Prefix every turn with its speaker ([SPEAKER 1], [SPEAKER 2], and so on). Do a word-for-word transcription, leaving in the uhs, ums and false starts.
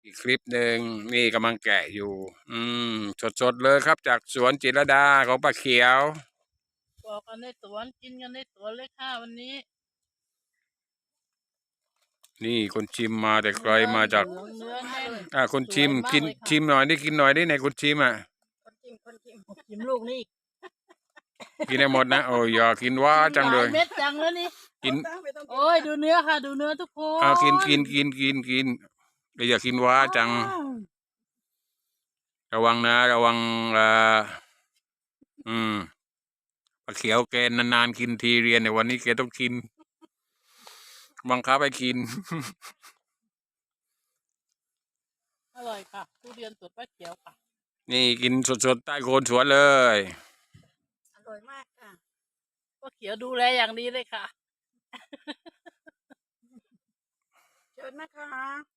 [SPEAKER 1] อีกคลิปหนึ่งนี่กำลังแกะอยู่ อืมสดๆเลยครับจากสวนจิรดาของป้าเขียว
[SPEAKER 2] บอกกันในสวนกินกันในสวนเลยค่ะวันนี้
[SPEAKER 1] นี่คนชิมมาแต่ไกลมาจาก
[SPEAKER 2] เนื้อเนื้อแน่น
[SPEAKER 1] อ่าคนชิม
[SPEAKER 2] สวยมาก
[SPEAKER 1] กิน
[SPEAKER 2] เลยค่ะ
[SPEAKER 1] ชิมหน่อยได้กินหน่อยได้ไหนคนชิมอ่ะ
[SPEAKER 3] คนชิมคนชิม
[SPEAKER 2] ชิมลูกนี่
[SPEAKER 1] กินได้หมดนะโอ้ยอย่ากินว่าจังเลย
[SPEAKER 2] หาเม็ดจังแล้วนี่
[SPEAKER 1] กิน
[SPEAKER 3] ไม่ต้องกิน
[SPEAKER 2] โอ้ยดูเนื้อค่ะ ดูเนื้อทุกคน
[SPEAKER 1] เอากินกินกินกินกินแต่อย่ากินว่าจัง
[SPEAKER 2] อ้าว
[SPEAKER 1] ระวังนะ ระวังเอ่ออืมป้าเขียวแกนานๆกินทีเรียนในวันนี้แกต้องกินบังคับให้กิน
[SPEAKER 2] อร่อยค่ะทุเรียนสดป้าเขียวค่ะ
[SPEAKER 1] นี่กินสดๆใต้โคนสวนเลย
[SPEAKER 3] อร่อยมากค่ะ
[SPEAKER 2] ป้าเขียวดูแลอย่างดีเลยค่ะ
[SPEAKER 3] เชิญนะคะ